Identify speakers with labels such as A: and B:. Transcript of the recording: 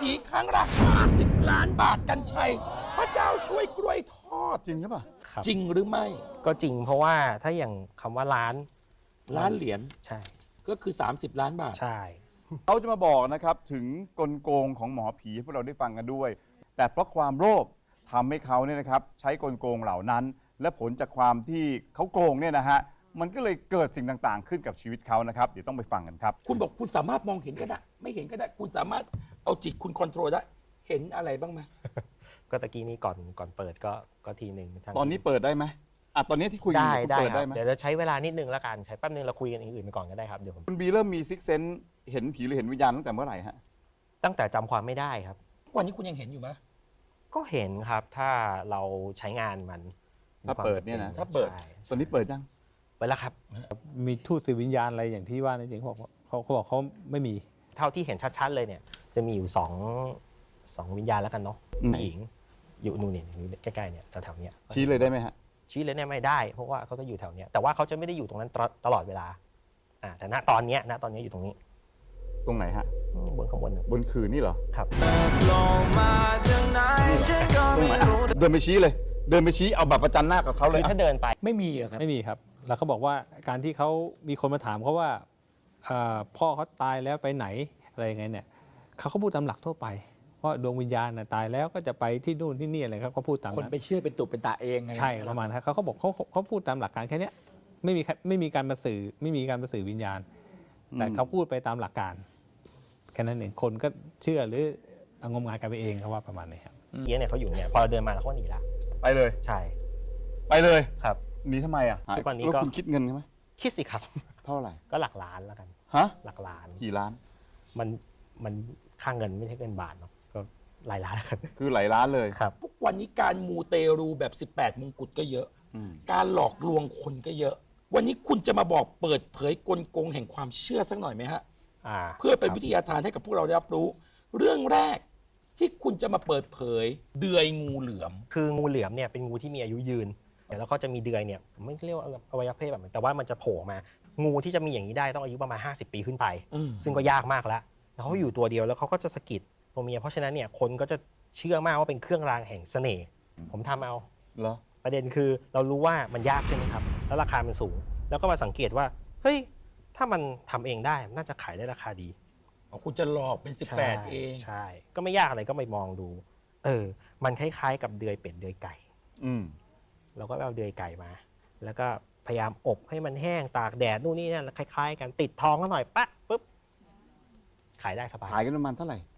A: ผีครั้งละ50 ล้านบาทกันชัยพระเจ้าช่วยกล้วยทอด
B: จริงหรือเปล่า
C: ครับ
A: จริงหรือไม่
C: ก็จริงเพราะว่าถ้าอย่างคำว่าล้าน
A: ล้านเหรียญ
C: ใช่
A: ก็คือ 30 ล้านบาท
C: ใช่
B: เขาจะมาบอกนะครับถึงกลโกงของหมอผีให้พวกเราได้ฟังกันด้วย แต่เพราะความโลภทำให้เขาเนี่ยนะครับใช้กลโกงเหล่านั้น และผลจากความที่เขาโกงเนี่ยนะฮะมันก็เลยเกิดสิ่งต่างๆ ขึ้นกับชีวิตเขานะครับเดี๋ยวต้องไปฟังกันครับ
A: คุณบอกคุณสามารถมองเห็นก็ได้ ไม่เห็นก็ได้ คุณสามารถเอาจิตคุณคอนโทรลได้ เห็นอะไรบ้างไหม
C: ก็ตะกี้นี้ก่อนเปิดก็ทีหนึ่งทาง
B: ตอนนี้เปิดได้ไหมอ่ะตอนนี้ที่คุยกัน
C: ได้
B: อยู่
C: ได้
B: เปิด
C: ครั
B: ได้
C: บ
B: ไหม
C: เดี๋ยวจะใช้เวลานิดนึงแล้วกันใช้แป๊บนึงเราคุยกันอย่างอื่นไปก่อนก็ได้ครับเดี๋ยวผม
B: คุณบีเริ่มมีซิกเซนเห็นผีหรือเห็นวิญญาณตั้งแต่เมื่อไหร่ฮะ
C: ตั้งแต่จำความไม่ได้ครับ
A: วันนี้คุณยังเห็นอยู่ไหม
C: ก็เห็นครับถ้าเราใช้งานมัน
B: ถ้าเปิดเนี่ยนะ
A: ถ้าเปิด
C: ใช่
B: ตอนนี้เปิดยัง
C: เปิดแล้วครับ
D: มีทูตสื่อวิญญาณอะไรอย่างที่ว่านั่นจริงเขาบอกเขาไม่มี
C: เท่าที่เห็นชัดๆเลยเนี่ย จะมีอยู่สองวิญญาณแล้วกันเนาะผู้หญิงอยู่นู่นเนี่ยอยู่ใกล้ๆเนี่ยแถวๆเนี้ย
B: ชี้เลยได้ไหมฮะ
C: ชี้เลยเนี่ยไม่ได้เพราะว่าเขาก็อยู่แถวเนี้ยแต่ว่าเขาจะไม่ได้อยู่ตรงนั้นตลอดเวลาแต่ณตอนเนี้ยอยู่ตรงนี้
B: ตรงไหนฮะ
C: บนข้างบน
B: บนขื่อนี่เหรอ
C: ครับ
B: ตรงไหนอ่ะเดินไปชี้เลย เดินไปชี้เอาบัตรประจันหน้ากับเขาเล
C: คื
B: ย
C: อถ้าเดินไป
A: ไม่มีเหรอครับ
D: ไม่มีครับ แล้วเขาบอกว่าการที่เขามีคนมาถามเขาว่าพ่อเขาตายแล้วไปไหนอะไรยังไงเนี่ยเขาก็พูดตามหลักทั่วไปว่าดวงวิญญาณน่ะตายแล้วก็จะไปที่นู่นที่นี่อะไรครับเขาพูดตาม
E: คน
D: นั้น
E: ไปเชื่อเป็นตุเป็นตาเองอ
D: ใช่ประมาณนั้นเขาบอกเขาพูดตามหลักการแค่เนี้ยไม่มีการมาสื่อไม่มีการมาสื่อวิญญาณ แต่เขาพูดไปตามหลักการแค่นั้นเองคนก็เชื่อหรือเอางมงายกันไปเองเขาว่าประมาณนี้ครับ
C: เอี้ยเนี่ยเขาอยู่เนี่ยพอเราเดินมาแล้วเขาก็หนีละ
B: ไปเลย
C: ใช่
B: ไปเลย
C: ครับ
B: หนีทำไมอ่ะ
C: ทุกวันนี้
B: แล้ว
C: ก็
B: คุณคิดเงินไหม
C: คิดสิครับ
B: เท่าไหร่
C: ก็หลักล้านแล้วกัน
B: ฮะ
C: หลักล้าน
B: กี่ล้าน
C: มันค่าเงินไม่ใช่เงินบาทเนาะก็หลายล้านแล้วกัน
B: คือหลายล้านเลย
C: ครับ
A: ทุกวันนี้การมูเตรูแบบ 18 มงกุฎก็เยอะ
B: อืม
A: การหลอกลวงคนก็เยอะ วันนี้คุณจะมาบอกเปิดเผยกลโกงแห่งความเชื่อสักหน่อยไหมฮะ เพื่อเป็นวิทยาทานให้กับพวกเราได้รับรู้ เรื่องแรกที่คุณจะมาเปิดเผยเดือยงูเหลือม
C: คืองูเหลือมเนี่ยเป็นงูที่มีอายุยืนแล้วก็จะมีเดือยเนี่ยผมไม่เรียกว่าอวัยวะเพศแบบนั้นแต่ว่ามันจะโผล่มางูที่จะมีอย่างนี้ได้ต้องอายุประมาณ50 ปีขึ้นไป ซึ่งก็ยากมากแล้วเขาอยู่ตัวเดียวแล้วเขาก็จะสะกิดตัวเมียเพราะฉะนั้นเนี่ยคนก็จะเชื่อมากว่าเป็นเครื่องรางแห่งเสน่ห์ผมทำเอา
B: เหรอ
C: ประเด็นคือเรารู้ว่ามันยากใช่ไหมครับแล้วราคามันสูง แล้วก็มาสังเกตว่าเฮ้ยถ้ามันทำเองได้น่าจะขายได้ราคาดี
A: คุณจะหลอกเป็น 18 เอง
C: ใช่ก็ไม่ยากอะไรก็ไปมองดูมันคล้ายๆกับเดือยเป็ดเดือยไก่
B: อืม
C: เราก็เอาเดือยไก่มา แล้วก็พยายามอบให้มันแห้งตากแดดนู่นนี่นั่นคล้ายๆกันติดทองก็หน่อยปะปุ๊บขายได้สบาย
B: ขายกันประมาณเท่าไหร่